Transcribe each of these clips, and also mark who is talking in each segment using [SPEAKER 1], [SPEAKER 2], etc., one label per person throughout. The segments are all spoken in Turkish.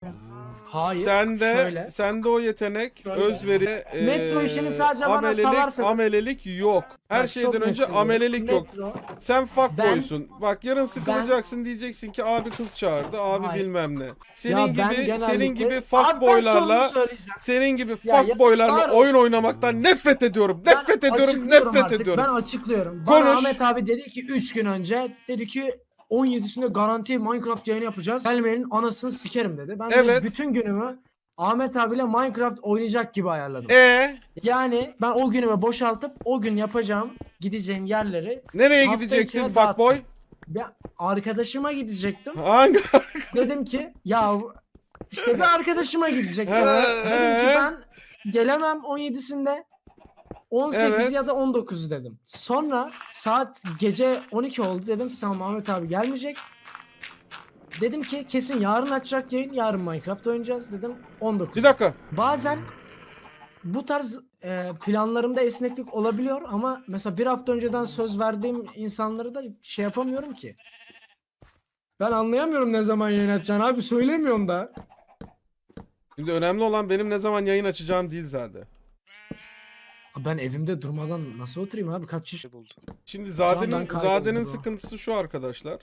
[SPEAKER 1] Hayır.
[SPEAKER 2] Sende sende o yetenek,
[SPEAKER 1] Şöyle.
[SPEAKER 2] özveri,
[SPEAKER 1] Metro işini sadece bana
[SPEAKER 2] amelelik,
[SPEAKER 1] salarsanız.
[SPEAKER 2] amelelik yok. Her
[SPEAKER 1] Bak,
[SPEAKER 2] şeyden
[SPEAKER 1] çok net
[SPEAKER 2] önce
[SPEAKER 1] söylüyorum.
[SPEAKER 2] amelelik yok.
[SPEAKER 1] Metro.
[SPEAKER 2] Sen fuckboysun. Bak yarın sıkılacaksın, diyeceksin ki abi kız çağırdı, abi
[SPEAKER 1] Hayır.
[SPEAKER 2] bilmem ne. Senin
[SPEAKER 1] Ya
[SPEAKER 2] gibi
[SPEAKER 1] ben
[SPEAKER 2] senin
[SPEAKER 1] genellikle...
[SPEAKER 2] gibi
[SPEAKER 1] Abi ben sonunu
[SPEAKER 2] fuckboylarla
[SPEAKER 1] söyleyeceğim.
[SPEAKER 2] senin gibi
[SPEAKER 1] Ya
[SPEAKER 2] fuckboylarla
[SPEAKER 1] yazıklar
[SPEAKER 2] oyun
[SPEAKER 1] olsun.
[SPEAKER 2] oynamaktan nefret ediyorum.
[SPEAKER 1] Ben
[SPEAKER 2] Nefret ediyorum,
[SPEAKER 1] açıklıyorum
[SPEAKER 2] nefret
[SPEAKER 1] artık.
[SPEAKER 2] ediyorum.
[SPEAKER 1] Ben açıklıyorum. Bana
[SPEAKER 2] Konuş.
[SPEAKER 1] Ahmet abi dedi ki 3 gün önce dedi ki 17'sinde garanti Minecraft yayını yapacağız. Gelmeyenin anasını sikerim dedi. Ben de
[SPEAKER 2] Evet.
[SPEAKER 1] bütün günümü Ahmet abiyle Minecraft oynayacak gibi ayarladım. Yani ben o günümü boşaltıp o gün yapacağım, gideceğim yerleri
[SPEAKER 2] Nereye
[SPEAKER 1] hafta
[SPEAKER 2] gidecektin
[SPEAKER 1] içine
[SPEAKER 2] fuckboy?
[SPEAKER 1] dağıttım. Ben arkadaşıma gidecektim.
[SPEAKER 2] Hangi?
[SPEAKER 1] Dedim ki ya işte bir arkadaşıma gidecektim. Dedim ki ben gelemem 17'sinde. 18
[SPEAKER 2] Evet.
[SPEAKER 1] ya da 19 dedim. Sonra saat gece 12 oldu, dedim ki tamam Ahmet abi gelmeyecek. Dedim ki kesin yarın açacak yayın, yarın Minecraft oynayacağız dedim 19.
[SPEAKER 2] Bir dakika.
[SPEAKER 1] Bazen bu tarz planlarımda esneklik olabiliyor ama mesela bir hafta önceden söz verdiğim insanları da şey yapamıyorum ki. Ben anlayamıyorum ne zaman yayın açacaksın abi, söylemiyorsun da.
[SPEAKER 2] Şimdi önemli olan benim ne zaman yayın açacağım değil zaten.
[SPEAKER 1] Ben evimde durmadan nasıl oturayım abi, kaç yaş
[SPEAKER 3] buldu.
[SPEAKER 2] Şimdi
[SPEAKER 1] Tamam, ben kayboldum
[SPEAKER 2] Zade'nin
[SPEAKER 1] o.
[SPEAKER 2] sıkıntısı şu arkadaşlar.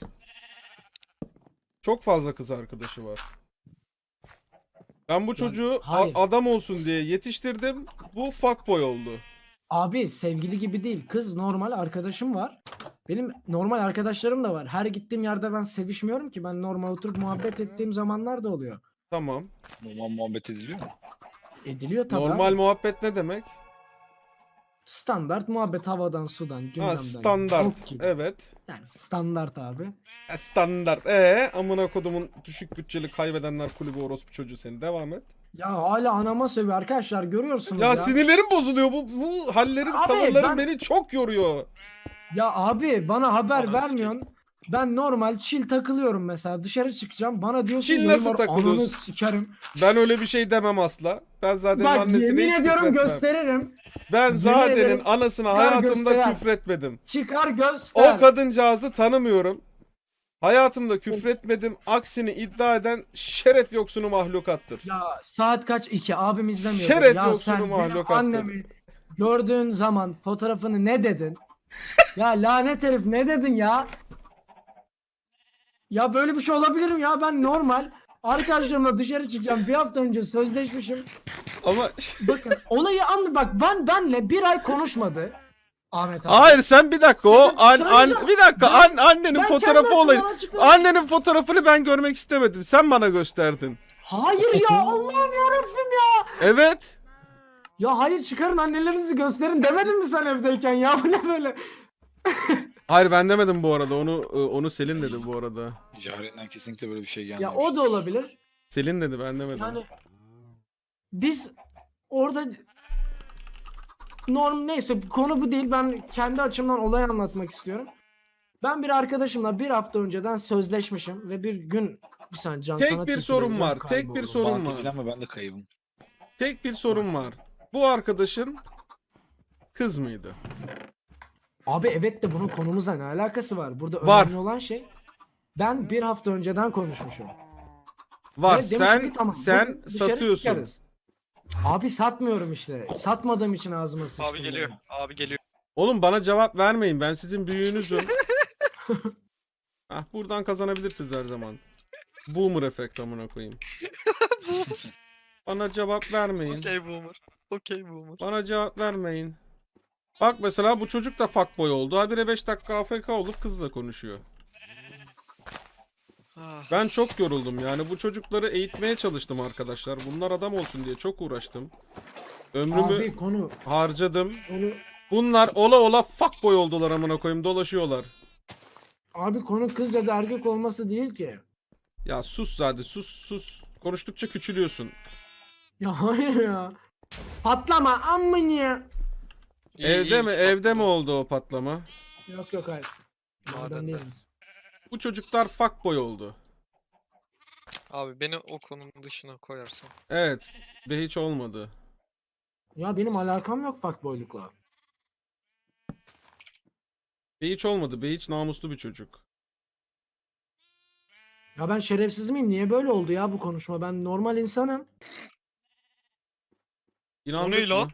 [SPEAKER 2] Çok fazla kız arkadaşı var. Ben bu çocuğu
[SPEAKER 1] hayır.
[SPEAKER 2] adam olsun diye yetiştirdim. Bu fuckboy oldu.
[SPEAKER 1] Abi sevgili gibi değil, kız normal arkadaşım var. Benim normal arkadaşlarım da var. Her gittiğim yerde ben sevişmiyorum ki. Ben normal oturup muhabbet ettiğim zamanlar da oluyor.
[SPEAKER 2] Tamam.
[SPEAKER 3] Normal muhabbet ediliyor mu?
[SPEAKER 1] Ediliyor tabii
[SPEAKER 2] Normal
[SPEAKER 1] abi.
[SPEAKER 2] muhabbet ne demek?
[SPEAKER 1] Standart muhabbet, havadan sudan gündemden.
[SPEAKER 2] Ha standart.
[SPEAKER 1] Bok gibi.
[SPEAKER 2] Evet.
[SPEAKER 1] Yani standart abi.
[SPEAKER 2] Standart. Amına kodumun düşük bütçeli kaybedenler kulübü orospu çocuğu seni. Devam et.
[SPEAKER 1] Ya hala anama sövüyor arkadaşlar, görüyorsunuz
[SPEAKER 2] Ya,
[SPEAKER 1] ya.
[SPEAKER 2] sinirlerim bozuluyor. Bu hallerin,
[SPEAKER 1] Abi,
[SPEAKER 2] tavırların beni çok yoruyor.
[SPEAKER 1] Ya abi bana haber
[SPEAKER 3] Ananı
[SPEAKER 1] vermiyorsun. Ben normal chill takılıyorum mesela, dışarı çıkacağım. Bana diyorsun
[SPEAKER 2] Chill
[SPEAKER 1] yayın
[SPEAKER 2] nasıl
[SPEAKER 1] var,
[SPEAKER 2] takılıyorsun?
[SPEAKER 1] ananı sikerim.
[SPEAKER 2] Ben öyle bir şey demem asla. Ben zaten
[SPEAKER 1] Bak
[SPEAKER 2] annesine
[SPEAKER 1] yemin
[SPEAKER 2] hiç
[SPEAKER 1] ediyorum
[SPEAKER 2] küfretmem.
[SPEAKER 1] gösteririm.
[SPEAKER 2] Ben
[SPEAKER 1] Yemin
[SPEAKER 2] Zade'nin
[SPEAKER 1] ederim,
[SPEAKER 2] anasına
[SPEAKER 1] çıkar
[SPEAKER 2] hayatımda
[SPEAKER 1] göster.
[SPEAKER 2] küfretmedim.
[SPEAKER 1] Çıkar göster.
[SPEAKER 2] O kadıncağızı tanımıyorum. Hayatımda küfretmedim. Aksini iddia eden şeref yoksunu mahlukattır.
[SPEAKER 1] Ya saat kaç? 2 abim izlemiyor.
[SPEAKER 2] Şeref
[SPEAKER 1] Ya
[SPEAKER 2] yoksunu
[SPEAKER 1] sen benim
[SPEAKER 2] mahlukattır.
[SPEAKER 1] annemi gördüğün zaman fotoğrafını ne dedin? Ya lanet herif, ne dedin ya? Ya böyle bir şey olabilir mi ya? Ben normal arkadaşlarımla dışarı çıkacağım. Bir hafta önce sözleşmişim.
[SPEAKER 2] Ama
[SPEAKER 1] Bakın olayı anla, bak benle bir ay konuşmadı Ahmet abi.
[SPEAKER 2] hayır sen bir dakika
[SPEAKER 1] Söyleyeceğim.
[SPEAKER 2] bir dakika annenin
[SPEAKER 1] Ben
[SPEAKER 2] fotoğrafı
[SPEAKER 1] kendi
[SPEAKER 2] olayı.
[SPEAKER 1] açımdan açıkladım.
[SPEAKER 2] Annenin fotoğrafını ben görmek istemedim. Sen bana gösterdin.
[SPEAKER 1] Hayır ya, Allah'ım yarabbim ya.
[SPEAKER 2] Evet.
[SPEAKER 1] Ya hayır, çıkarın annelerinizi gösterin demedin mi sen evdeyken ya? Bu ne böyle?
[SPEAKER 2] Hayır ben demedim bu arada. Onu Selin dedi bu arada.
[SPEAKER 3] Jaren'den kesinlikle böyle bir şey gelmemiş.
[SPEAKER 1] Ya o da olabilir.
[SPEAKER 2] Selin dedi, ben demedim.
[SPEAKER 1] Yani biz orada neyse, konu bu değil. Ben kendi açımdan olayı anlatmak istiyorum. Ben bir arkadaşımla bir hafta önceden sözleşmişim ve bir gün bir saniye Can
[SPEAKER 2] Tek
[SPEAKER 1] sana
[SPEAKER 2] bir
[SPEAKER 1] tipi
[SPEAKER 2] sorun
[SPEAKER 1] veriyorum,
[SPEAKER 2] var, tek bir
[SPEAKER 1] kayboldum.
[SPEAKER 2] sorun
[SPEAKER 3] Bana
[SPEAKER 2] var.
[SPEAKER 3] teklenme, ben de kaybım.
[SPEAKER 2] Tek bir sorun var. Bu arkadaşın kız mıydı?
[SPEAKER 1] Abi evet de bunun konumuzla ne alakası var? Burada
[SPEAKER 2] Var.
[SPEAKER 1] önemli olan şey, ben bir hafta önceden konuşmuşum.
[SPEAKER 2] Var.
[SPEAKER 1] Ve demişim ki, tamam,
[SPEAKER 2] Sen
[SPEAKER 1] bugün dışarı
[SPEAKER 2] satıyorsun.
[SPEAKER 1] çıkarız. Abi satmıyorum işte. Satmadığım için ağzıma sıçtım.
[SPEAKER 4] Abi geliyor.
[SPEAKER 1] benim.
[SPEAKER 4] Abi geliyor.
[SPEAKER 2] Oğlum bana cevap vermeyin. Ben sizin büyüğünüzüm. Buradan kazanabilirsiniz her zaman. Boomer efekt amına koyayım. Bana cevap vermeyin.
[SPEAKER 4] Okey boomer. Okey boomer.
[SPEAKER 2] Bana cevap vermeyin. Bak mesela bu çocuk da fuckboy oldu. Habire 5 dakika AFK olup kızla konuşuyor.
[SPEAKER 4] Ah.
[SPEAKER 2] Ben çok yoruldum yani. Bu çocukları eğitmeye çalıştım arkadaşlar. Bunlar adam olsun diye çok uğraştım. Ömrümü
[SPEAKER 1] Abi konu
[SPEAKER 2] harcadım.
[SPEAKER 1] konu
[SPEAKER 2] Bunlar ola ola fuckboy oldular amına koyayım, dolaşıyorlar.
[SPEAKER 1] abi konu kız ya da erkek olması değil ki.
[SPEAKER 2] Ya sus Zade, sus. Konuştukça küçülüyorsun.
[SPEAKER 1] Ya hayır ya. Patlama amına.
[SPEAKER 4] İyi,
[SPEAKER 2] Evde
[SPEAKER 4] iyi,
[SPEAKER 2] mi?
[SPEAKER 4] çok
[SPEAKER 2] Evde mi
[SPEAKER 4] iyi.
[SPEAKER 2] oldu o patlama?
[SPEAKER 1] Yok hayır. Maden
[SPEAKER 4] Madende.
[SPEAKER 1] değiliz.
[SPEAKER 2] Bu çocuklar fuckboy oldu.
[SPEAKER 4] Abi beni o konunun dışına koyarsan.
[SPEAKER 2] Evet. Ve hiç olmadı.
[SPEAKER 1] Ya benim alakam yok fuckboylukla.
[SPEAKER 2] Ve hiç olmadı. Ve hiç namuslu bir çocuk.
[SPEAKER 1] Ya ben şerefsiz miyim? Niye böyle oldu ya bu konuşma? Ben normal insanım.
[SPEAKER 2] İnandık
[SPEAKER 4] ne lan?
[SPEAKER 2] mı?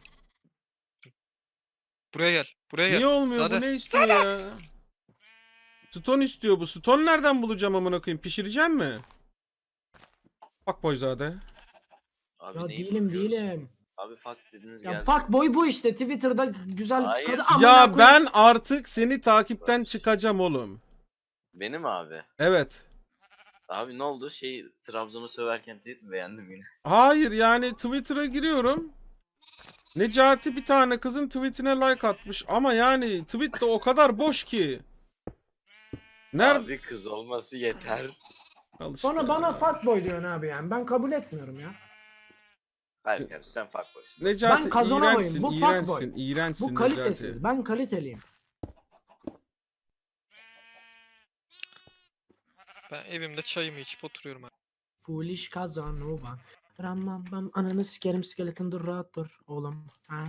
[SPEAKER 4] Buraya gel. Buraya gel.
[SPEAKER 2] Niye olmuyor?
[SPEAKER 4] Sade.
[SPEAKER 2] Bu ne istiyor ya? Stone istiyor bu. Stone nereden bulacağım amına koyayım? Pişireceğim mi? Bak Boyzade.
[SPEAKER 5] Abi
[SPEAKER 1] Ya
[SPEAKER 5] neyi
[SPEAKER 1] değilim
[SPEAKER 5] fuckluyoruz?
[SPEAKER 1] değilim.
[SPEAKER 5] Abi fuck dediniz
[SPEAKER 1] Ya
[SPEAKER 5] geldi.
[SPEAKER 1] fuck boy bu işte. Twitter'da güzel
[SPEAKER 5] Hayır.
[SPEAKER 1] kadın.
[SPEAKER 5] Ya
[SPEAKER 1] Amına
[SPEAKER 2] Ya
[SPEAKER 1] koyayım.
[SPEAKER 2] ben artık seni takipten çıkacağım oğlum.
[SPEAKER 5] Benim abi.
[SPEAKER 2] Evet.
[SPEAKER 5] Abi ne oldu? Trabzon'u söverken tweet mi beğendim yine?
[SPEAKER 2] Hayır yani Twitter'a giriyorum. Necati bir tane kızın tweetine like atmış ama yani tweet de o kadar boş ki. Nerede?
[SPEAKER 5] Abi kız olması yeter.
[SPEAKER 2] Al işte
[SPEAKER 1] Bana
[SPEAKER 2] ya.
[SPEAKER 1] fuck boy diyorsun abi yani. Ben kabul etmiyorum ya.
[SPEAKER 5] Hayır kardeşim sen fuck boysun.
[SPEAKER 2] Necati
[SPEAKER 1] Ben kazanamayım.
[SPEAKER 2] iğrençsin,
[SPEAKER 1] Bu fuckboy.
[SPEAKER 2] iğrençsin, iğrençsin
[SPEAKER 1] Bu kalitesiz.
[SPEAKER 2] Necati.
[SPEAKER 1] Ben kaliteliyim.
[SPEAKER 4] Ben evimde çayımı içip oturuyorum abi.
[SPEAKER 1] Foolish Casanova. Ramam bam ananı sikerim skeleton dur rahat dur oğlum. Ha.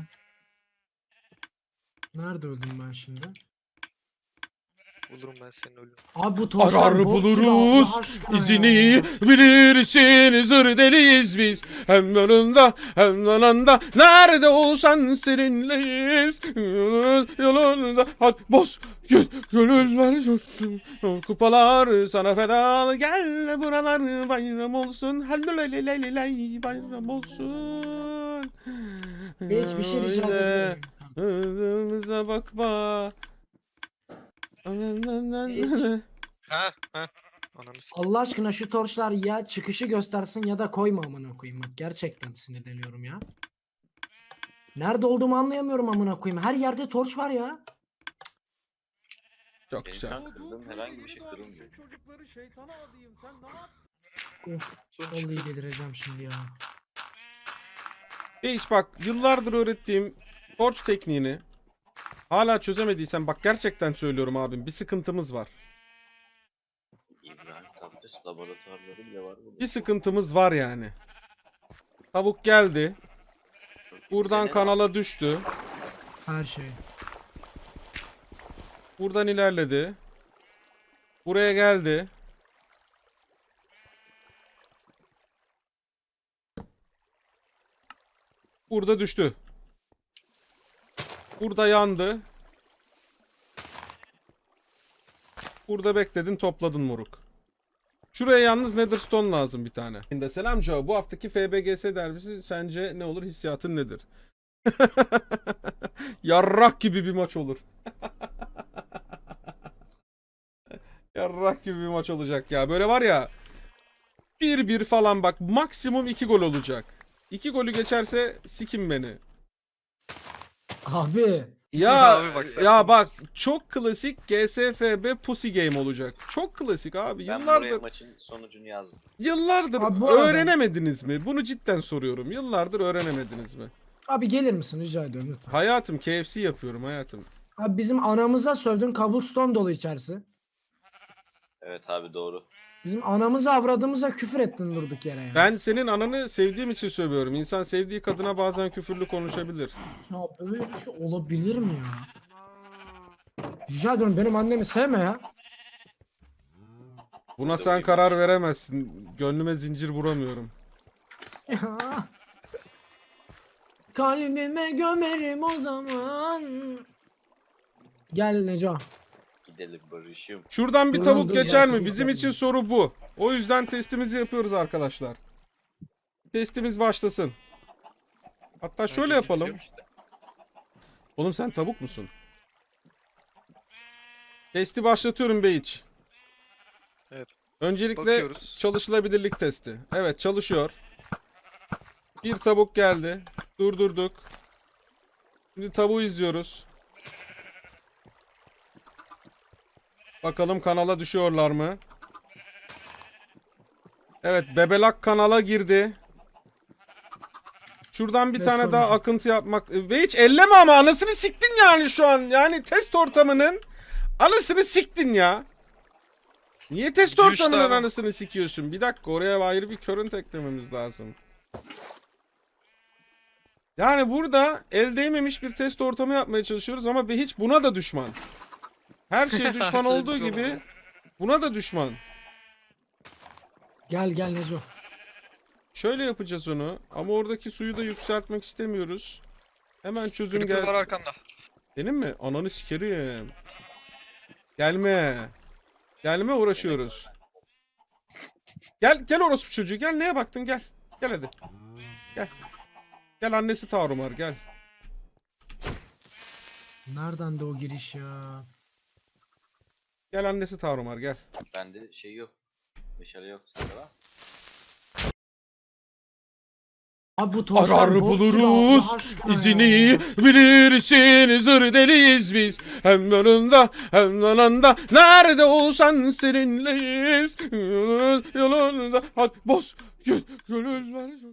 [SPEAKER 1] Nerede öldüm ben şimdi?
[SPEAKER 4] Bulurum ben senin ölümünü.
[SPEAKER 1] Abi bu torçlar
[SPEAKER 2] Arar
[SPEAKER 1] bok gibi
[SPEAKER 2] buluruz
[SPEAKER 1] Allah aşkına
[SPEAKER 2] izini
[SPEAKER 1] ya.
[SPEAKER 2] bilirsin zır deliyiz biz hem yanında hem yanında nerede olsan seninleyiz yolunda hadi boz gönüller coşsun kupalar sana feda gel buralar bayram olsun halleleleleley bayram olsun
[SPEAKER 1] Hiçbir şey rica edebilirim.
[SPEAKER 2] Hızımıza bakma.
[SPEAKER 4] Ha ha. Ananı s***.
[SPEAKER 1] Allah aşkına şu torçlar ya çıkışı göstersin ya da koyma amına koyayım bak gerçekten sinirleniyorum ya. Nerede olduğumu anlayamıyorum amına koyayım. Her yerde torç var ya.
[SPEAKER 2] Çok
[SPEAKER 5] Benim
[SPEAKER 2] güzel.
[SPEAKER 5] şu an kırdığım herhangi bir şey kırılmıyor.
[SPEAKER 2] Çocukları şeytana adayım. Sen ne yaptın?
[SPEAKER 1] Of, vallahi delireceğim şimdi ya.
[SPEAKER 2] Hiç bak yıllardır öğrettiğim torch tekniğini hala çözemediysen bak gerçekten söylüyorum abim bir sıkıntımız var.
[SPEAKER 5] İbrahim Tatlıses laboratuvarları bile var burada.
[SPEAKER 2] Bir sıkıntımız var yani. Tavuk geldi. Buradan
[SPEAKER 5] Senin
[SPEAKER 2] kanala düştü.
[SPEAKER 1] Her şey.
[SPEAKER 2] Buradan ilerledi. Buraya geldi. Burada düştü. Burada yandı. Burada bekledin topladın moruk. Şuraya yalnız Netherstone lazım bir tane. Şimdi selam Joe. Bu haftaki FBGS derbisi sence ne olur? Hissiyatın nedir? Yarrak gibi bir maç olur. Yarrak gibi bir maç olacak ya. Böyle var ya 1-1 falan bak maksimum 2 gol olacak. 2 golü geçerse sikin beni.
[SPEAKER 1] Abi.
[SPEAKER 2] Ya
[SPEAKER 4] Abi bak sen
[SPEAKER 2] ya bak
[SPEAKER 4] konuş.
[SPEAKER 2] çok klasik GSFB pussy game olacak. Çok klasik abi.
[SPEAKER 5] Ben buraya
[SPEAKER 2] Yıllardır
[SPEAKER 5] maçın sonucunu yazdım.
[SPEAKER 1] Abi bu arada-
[SPEAKER 2] öğrenemediniz mi? Bunu cidden soruyorum. Yıllardır öğrenemediniz mi?
[SPEAKER 1] Abi gelir misin rica ediyorum lütfen.
[SPEAKER 2] Hayatım KFC yapıyorum hayatım.
[SPEAKER 1] Abi bizim anamıza sövdün cobblestone dolu içerisi.
[SPEAKER 5] Evet abi doğru.
[SPEAKER 1] Bizim anamıza avradımıza küfür ettin durduk yere ya.
[SPEAKER 2] Ben senin ananı sevdiğim için sövüyorum. İnsan sevdiği kadına bazen küfürlü konuşabilir.
[SPEAKER 1] Ya böyle bir şey olabilir mi ya? Rica ediyorum benim annemi sevme ya.
[SPEAKER 2] Buna sen karar veremezsin. Gönlüme zincir vuramıyorum.
[SPEAKER 1] Ya. Kalbime gömerim o zaman. Gel Neco.
[SPEAKER 5] Gidelim barışım.
[SPEAKER 2] Şuradan bir
[SPEAKER 1] Dur
[SPEAKER 2] tavuk
[SPEAKER 1] lan, dur,
[SPEAKER 2] geçer
[SPEAKER 1] gel,
[SPEAKER 2] mi?
[SPEAKER 1] dur,
[SPEAKER 2] Bizim
[SPEAKER 1] dur.
[SPEAKER 2] için soru bu. O yüzden testimizi yapıyoruz arkadaşlar. Testimiz başlasın. Hatta şöyle yapalım. Oğlum sen tavuk musun? Testi başlatıyorum Beyiç.
[SPEAKER 4] Evet.
[SPEAKER 2] Öncelikle
[SPEAKER 4] Bakıyoruz.
[SPEAKER 2] çalışılabilirlik testi. Evet çalışıyor. Bir tavuk geldi. Durdurduk. Şimdi tavuğu izliyoruz. Bakalım kanala düşüyorlar mı? Evet bebelak kanala girdi. Şuradan bir
[SPEAKER 1] Let's
[SPEAKER 2] tane
[SPEAKER 1] go
[SPEAKER 2] daha
[SPEAKER 1] Neco.
[SPEAKER 2] akıntı yapmak. Ve hiç elleme ama anasını siktin yani şu an. Yani test ortamının anasını siktin ya. Niye test
[SPEAKER 4] Düştü
[SPEAKER 2] ortamının
[SPEAKER 4] ama.
[SPEAKER 2] anasını sikiyorsun? Bir dakika oraya ayrı bir current eklememiz lazım. Yani burada el değmemiş bir test ortamı yapmaya çalışıyoruz ama hiç buna da düşman. Her şey düşman
[SPEAKER 4] Her şey
[SPEAKER 2] olduğu
[SPEAKER 4] düşman
[SPEAKER 2] gibi
[SPEAKER 4] oluyor.
[SPEAKER 2] buna da düşman.
[SPEAKER 1] Gel gel Neco.
[SPEAKER 2] Şöyle yapacağız onu ama oradaki suyu da yükseltmek istemiyoruz. Hemen çözüm
[SPEAKER 4] Creeper var
[SPEAKER 2] gel.
[SPEAKER 4] arkanda.
[SPEAKER 2] Benim mi? Ananı sikerim. Gelme. Gelme uğraşıyoruz. Gel orospu çocuğu gel neye baktın gel. Gel hadi. Gel. Gel annesi Tarumar gel.
[SPEAKER 1] Nereden de o giriş ya?
[SPEAKER 2] Gel annesi Tarumar gel.
[SPEAKER 5] Bende şey yok. Meşale yok. Sende var.
[SPEAKER 1] Abi bu torçlar
[SPEAKER 2] Arar
[SPEAKER 1] bok gibi
[SPEAKER 2] buluruz
[SPEAKER 1] Allah aşkına
[SPEAKER 2] izini
[SPEAKER 1] ya.
[SPEAKER 2] bilirsin zır deliyiz biz. Hem yanında hem yanında nerede olsan seninleyiz. Yolunda hadi boz gönüller.